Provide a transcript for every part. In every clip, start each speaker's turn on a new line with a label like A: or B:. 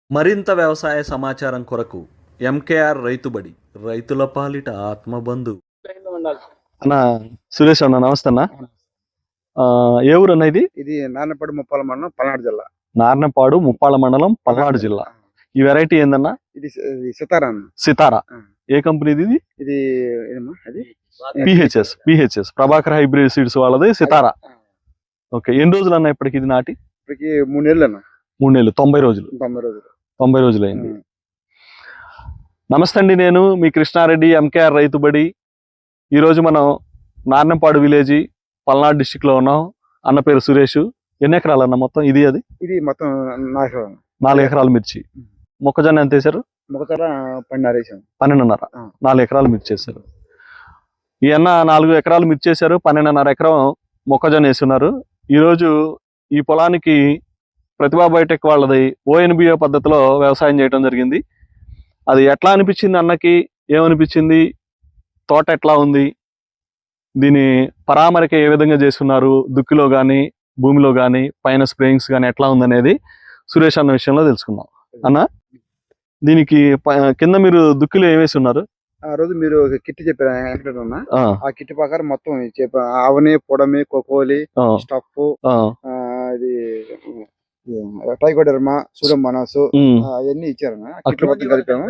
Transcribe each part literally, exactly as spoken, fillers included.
A: మరింత వ్యవసాయ సమాచారం కొరకు ఎంకేఆర్ రైతుబడి రైతుల పాలిట ఆత్మబంధు.
B: అన్న సురేష్ అన్న నమస్తే అన్న. ఆ, ఏ ఊరు అన్న ఇది?
C: ఇది నార్నపాడు ముప్పాల మండలం పల్నాడు జిల్లా.
B: నార్నపాడు ముప్పాళ్ళ మండలం పల్నాడు జిల్లా. ఈ వెరైటీ ఏందన్నా?
C: ఇది ఇది సితారా అన్న.
B: సితారా.
C: ఆ.
B: ఏ కంపెనీది ఇది?
C: ఇది ఏదమ్మా అది
B: PHS PHS Prabhakar hybrid seeds వాళ్ళది సితారా. ఓకే, ఎన్ని రోజులు అన్న ఇప్పటికి ఇది నాటి?
C: ఇప్పటికి మూడు నెలలు అన్న.
B: మూడు నెలలు, తొంభై రోజులు.
C: తొంభై రోజులు
B: తొంభై రోజులు అయింది. నమస్తే అండి, నేను మీ కృష్ణారెడ్డి, ఎంకేఆర్ రైతుబడి. ఈరోజు మనం నార్నంపాడు విలేజ్ పల్నాడు డిస్టిక్ లో ఉన్నాం. అన్న పేరు సురేష్. ఎన్ని ఎకరాలు అన్న మొత్తం ఇది? అది
C: ఇది మొత్తం నాలుగు
B: నాలుగు ఎకరాలు మిర్చి. మొక్కజొన్న ఎంత వేశారు?
C: మొక్కజొన్న పన్నెండున్నర వేసాం.
B: పన్నెండున్నర. నాలుగు ఎకరాలు మిర్చి వేశారు. ఈ అన్న నాలుగు ఎకరాలు మిర్చి వేశారు, పన్నెండున్నర ఎకరం మొక్కజొన్న వేస్తున్నారు. ఈరోజు ఈ పొలానికి ప్రతిభా బయోటెక్ వాళ్ళది ఓఎన్బిఓ పద్ధతిలో వ్యవసాయం చేయడం జరిగింది. అది ఎట్లా అనిపించింది అన్నకి? ఏమనిపించింది? తోట ఎట్లా ఉంది? దీని పరామరిక ఏ విధంగా చేస్తున్నారు? దుక్కిలో కానీ భూమిలో కానీ పైన స్ప్రేయింగ్స్ కానీ ఎట్లా ఉందనేది సురేష్ అన్న విషయంలో తెలుసుకుందాం. అన్న, దీనికి కింద మీరు దుక్కిలో ఏమేసి ఉన్నారు?
C: ఆ రోజు మీరు కిట్ చెప్పారు అన్న. ఆ కిట్ ప్రకారం మొత్తం చెప్ప ఆవని, పొడమి, కోకోలి, స్టఫ్, ఇది టైకోడర్మా, సూడోమోనాస్ అవన్నీ ఇచ్చారన్న. కిట్ మొత్తం కలిపాము.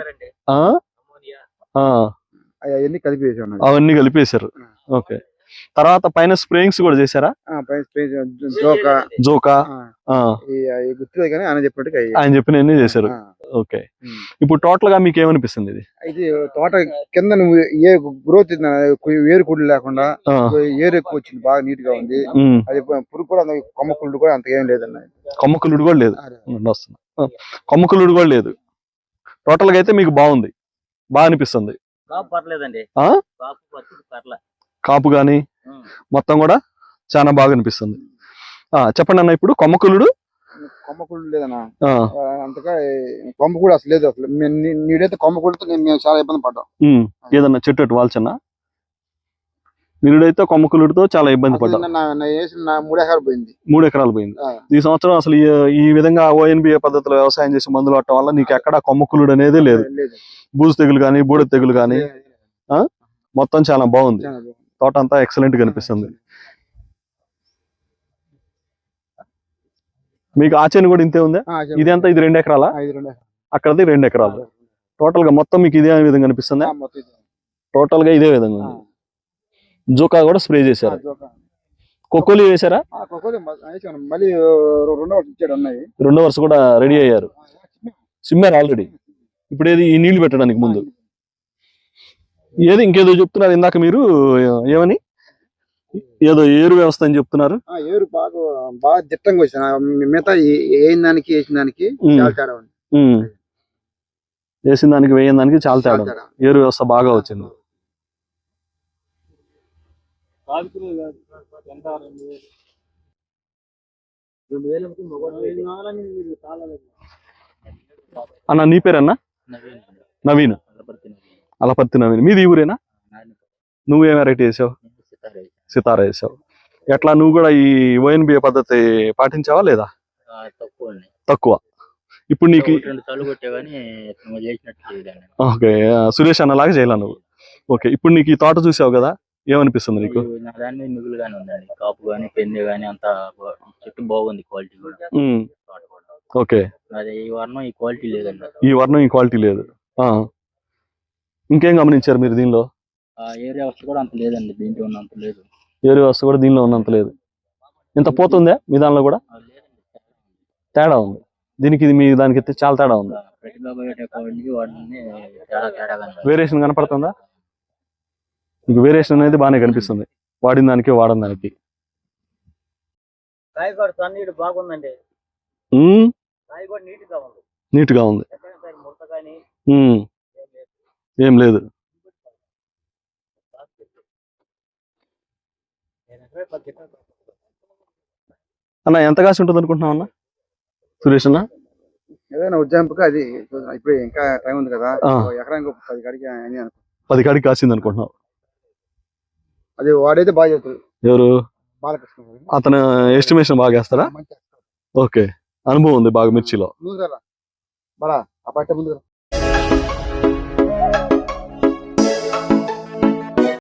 C: అవన్నీ కలిపి వేసాము.
B: అవన్నీ కలిపేశారు. ఓకే, తర్వాత పైన స్ప్రేయింగ్స్ కూడా చేశారా?
C: జోకా
B: జోకా
C: గుర్తులేదు కానీ ఆయన చెప్పినట్టుగా
B: ఆయన చెప్పినవన్నీ చేశారు. ఓకే, ఇప్పుడు టోటల్ గా మీకు ఏమనిపిస్తుంది? ఇది
C: ఇది తోట కింద నువ్వు ఏ గ్రోత్ ఏరు కుళ్ళు లేకుండా ఏరు ఎక్కువ వచ్చింది, బాగా నీట్ గా ఉంది. అది పురుగు కూడా కొమ్మ కుళ్ళు కూడా అంత ఏం లేదన్న.
B: కొమ్మ కుళ్ళుడు కూడా లేదు. కొమ్మ కుళ్ళుడు కూడా లేదు. టోటల్ గా అయితే మీకు బాగుంది, బాగా అనిపిస్తుంది. కాపు గాని మొత్తం కూడా చాలా బాగా అనిపిస్తుంది. చెప్పండి అన్న, ఇప్పుడు కొమ్మకులుడు
C: కొమ్మకుళ్ళు లేదన్నా. అంతగా కొమ్మ కూడా అసలు లేదు. అసలు నీడైతే కొమ్మకుళ్ళతో మేము చాలా ఇబ్బంది పడ్డాం.
B: ఏదన్నా చెట్టు అటు వాల్చన్నా? నీడైతే కొమ్మకులుడితో చాలా ఇబ్బంది పడ్డాం.
C: మూడు ఎకరాలు పోయింది.
B: మూడు ఎకరాలు పోయింది. ఈ సంవత్సరం అసలు ఈ విధంగా ఓఎన్బిఏ పద్ధతిలో వ్యవసాయం చేసి మందులు పట్టడం వల్ల నీకు ఎక్కడ కొమ్మకులుడు అనేది లేదు. బూజు తెగులు కానీ బూడ తెగులు కానీ మొత్తం చాలా బాగుంది. తోట అంతా ఎక్సలెంట్ గా కనిపిస్తుంది. మీకు ఆచేను కూడా ఇంతే ఉందా? ఇది అంతా ఇది రెండు ఎకరాలా? అక్కడది రెండు ఎకరాలు. టోటల్ గా మొత్తం మీకు ఇదే విధంగా కనిపిస్తుంది. టోటల్ గా ఇదే విధంగా ఉంది. జోకా కూడా స్ప్రే చేశారు. కొక్కోలి వేసారా? రెండో వరుస కూడా రెడీ అయ్యారు, సిమ్మారు ఆల్రెడీ. ఇప్పుడు ఏది ఈ నీళ్లు పెట్టడానికి ముందు ఏది ఇంకేదో చెప్తున్నారు ఇందాక మీరు, ఏమని ఏదో ఏరు వ్యవస్థ అని చెప్తున్నారు.
C: ఏరు బాగా బాగా దిట్టంగా వచ్చింది. మిగతా వేసిన దానికి వేసిన దానికి చాలా తేడా ఉంది.
B: వేసిన దానికి వేయని దానికి చాలా తేడా. ఏరు వ్యవస్థ బాగా వచ్చింది. అన్న, నీ పేరన్నా? నవీన్. అలపర్తి నవీన్. మీది ఊరేనా? నువ్వేం వెరైటీ వేసావు? సితారా వేసావు. ఎట్లా నువ్వు కూడా ఈ ఓఎన్బిఏ పద్ధతి పాటించావా లేదా? తక్కువ. ఇప్పుడు నీకు ఓకే, సురేష్ అన్నలాగా చేయాల నువ్వు. ఓకే, ఇప్పుడు నీకు ఈ తోట చూసావు కదా, ఏమనిపిస్తుంది నీకు?
D: కాపు గానీ పెన్ను గానీ అంతా చెట్టు బాగుంది, క్వాలిటీ కూడా.
B: ఓకే,
D: ఈ వర్ణం ఈ క్వాలిటీ లేదండి.
B: ఈ వర్ణం ఈ క్వాలిటీ లేదు. ఇంకేం గమనించారు మీరు దీనిలో?
D: ఏరియా వ్యవస్థ కూడా అంత లేదండి, దీంట్లో ఉన్నంత లేదు.
B: ఏరియా వ్యవస్థ కూడా దీనిలో ఉన్నంత లేదు. ఇంత పోతుందా మీ దానిలో కూడా? తేడా ఉంది. దీనికి ఇది మీ దానికి అయితే చాలా తేడా ఉంది. వేరియేషన్ కనపడుతుందా మీకు? వేరియేషన్ అనేది బాగానే కనిపిస్తుంది, వాడిన దానికి వాడిన దానికి.
D: బాగుందండి,
B: నీట్ గా ఉంది. ఏం లేదు. అన్న, ఎంత కాసి ఉంటుంది అనుకుంటున్నావు అన్న సురేష్ అన్న?
C: ఏదైనా ఉజ్జాయింపుగా అది ఇప్పుడు ఇంకా టైం ఉంది కదా, ఎకరానికి పది కాడికి
B: పది కాడికి కాసింది అనుకుంటున్నావు.
C: అది వాడైతే బాగా చెప్తారు.
B: ఎవరు? అతను ఎస్టిమేషన్ బాగా వేస్తారా? ఓకే, అనుభవం ఉంది బాగా మిర్చిలో.
C: బరా ఆ పట్ట ముందు